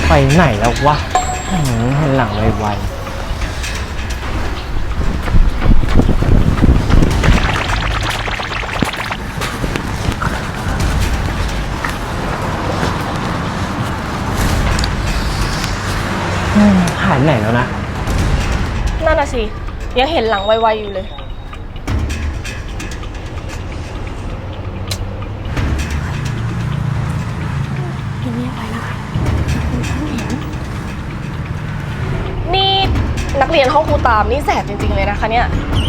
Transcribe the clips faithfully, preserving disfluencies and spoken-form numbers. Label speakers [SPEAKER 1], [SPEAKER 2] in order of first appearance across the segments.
[SPEAKER 1] ไปไหนแล้ววะเห็นหลังไวๆหายไหนแล้วนะ
[SPEAKER 2] นั่นน่ะสิยังเห็นหลังไวๆอยู่เลยเงียบๆไว้นะคะคุณต้องเห็นนี่นักเรียนห้องครูตามนี่แสบจริงๆเลยนะคะเนี่ย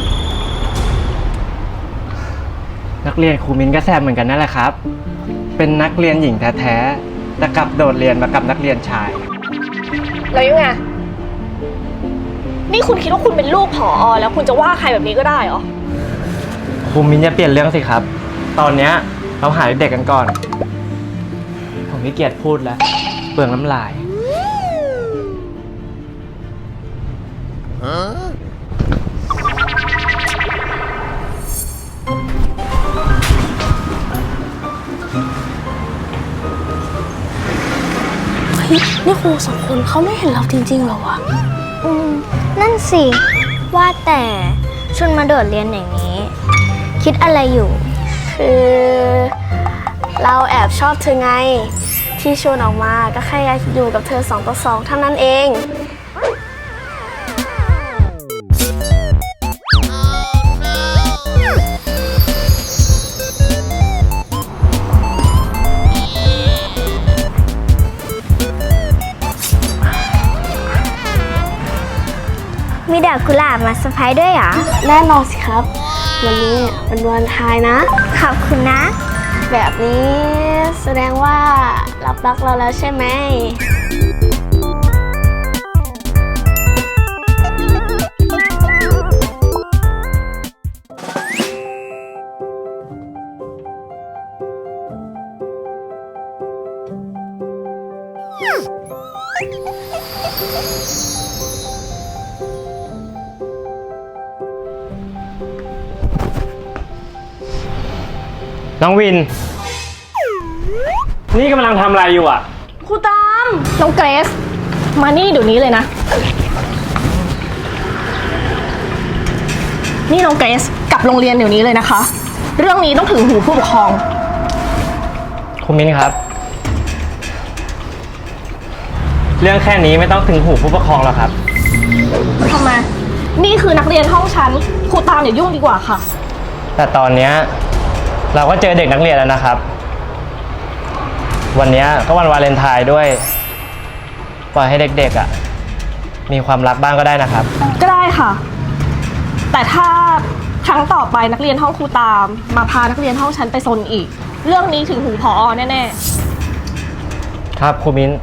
[SPEAKER 1] นักเรียนครูมิ้นก็แซมเหมือนกันนั่นแหละครับเป็นนักเรียนหญิงแท้ๆแต่กลับโดดเรียนมากับนักเรียนชาย
[SPEAKER 2] แล้วยังไงนี่คุณคิดว่าคุณเป็นลูกผอ.แล้วคุณจะว่าใครแบบนี้ก็ได้เหรอ
[SPEAKER 1] ครูมิ้นจะเปลี่ยนเรื่องสิครับตอนนี้เราหาเด็กกันก่อนผมขี้เกียจพูดแล้วเปลืองน้ำลาย
[SPEAKER 2] นี่ครูสองคนเขาไม่เห็นเราจริงๆหรอวะ
[SPEAKER 3] อืมนั่นสิว่าแต่ชวนมาโดดเรียนอย่างนี้คิดอะไรอยู่
[SPEAKER 4] คือเราแอบชอบเธอไงที่ชวนออกมาก็แค่อยากอยู่กับเธอสองต่อสองเท่านั้นเอง
[SPEAKER 3] มีดอกกุหลาบมาเซอร์ไพรส์ด้วยเหรอ
[SPEAKER 4] แน่นอนสิครับวันนี้เป็นวันไทายนะ
[SPEAKER 3] ขอบคุณนะ
[SPEAKER 4] แบบนี้แสดงว่ารับรักเราแล้วใช่ไหม
[SPEAKER 1] น้องวินนี่กำลังทำอะไรอยู่อ่ะ
[SPEAKER 2] ครูตามน้องเกรซมานี่เดี๋ยวนี้เลยนะนี่น้องเกรซกลับโรงเรียนเดี๋ยวนี้เลยนะคะเรื่องนี้ต้องถึงหูผู้ปกครอง
[SPEAKER 1] ครูมิ้นครับเรื่องแค่นี้ไม่ต้องถึงหูผู้ปกครองหรอกครับ
[SPEAKER 2] ทำไมนี่คือนักเรียนห้องฉันครูตามอย่ายุ่งดีกว่าค่ะ
[SPEAKER 1] แต่ตอนนี้เราก็เจอเด็กนักเรียนแล้วนะครับวันนี้ก็วันวาเลนไทน์ด้วยปล่อยให้เด็กๆอ่ะมีความรักบ้างก็ได้นะครับ
[SPEAKER 2] ก็ได้ค่ะแต่ถ้าครั้งต่อไปนักเรียนห้องครูตามมาพานักเรียนห้องฉันไปซนอีกเรื่องนี้ถึงหูผอ.แน่
[SPEAKER 1] ๆครับครูมิ้น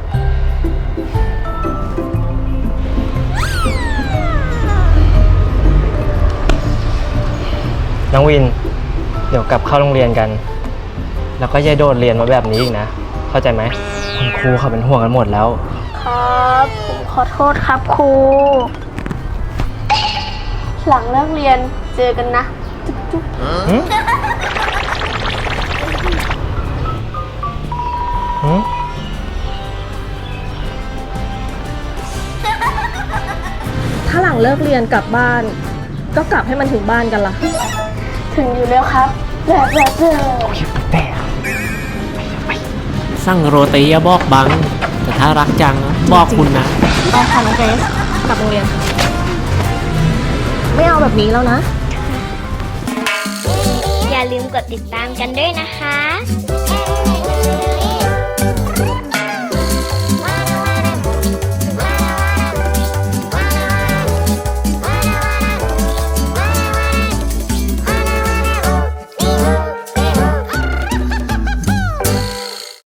[SPEAKER 1] น้องวินเดี๋ยวกลับเข้าโรงเรียนกันแล้วก็อย่าโดดเรียนมาแบบนี้อีกนะเข้าใจไหมคุณครูเขาเป็นห่วงกันหมดแล้ว
[SPEAKER 4] ครับผมขอโทษครับครูหลังเลิกเรียนเจอกันนะจุ๊บจุ๊บ
[SPEAKER 2] ถ้าหลังเลิกเรียนกลับบ้านก็กลับให้มันถึงบ้านกันล่ะ
[SPEAKER 4] ถึงอยู่แล้วครับแบบแบบเจอ
[SPEAKER 1] แต่
[SPEAKER 5] สั่งโรตีอย่าบอกบังแต่ถ้ารักจังบอกคุณนะ
[SPEAKER 2] ไปค่ะน้องเกรซกลับโรงเรียนไม่เอาแบบนี้แล้วนะ
[SPEAKER 3] อย่าลืมกดติดตามกันด้วยนะคะ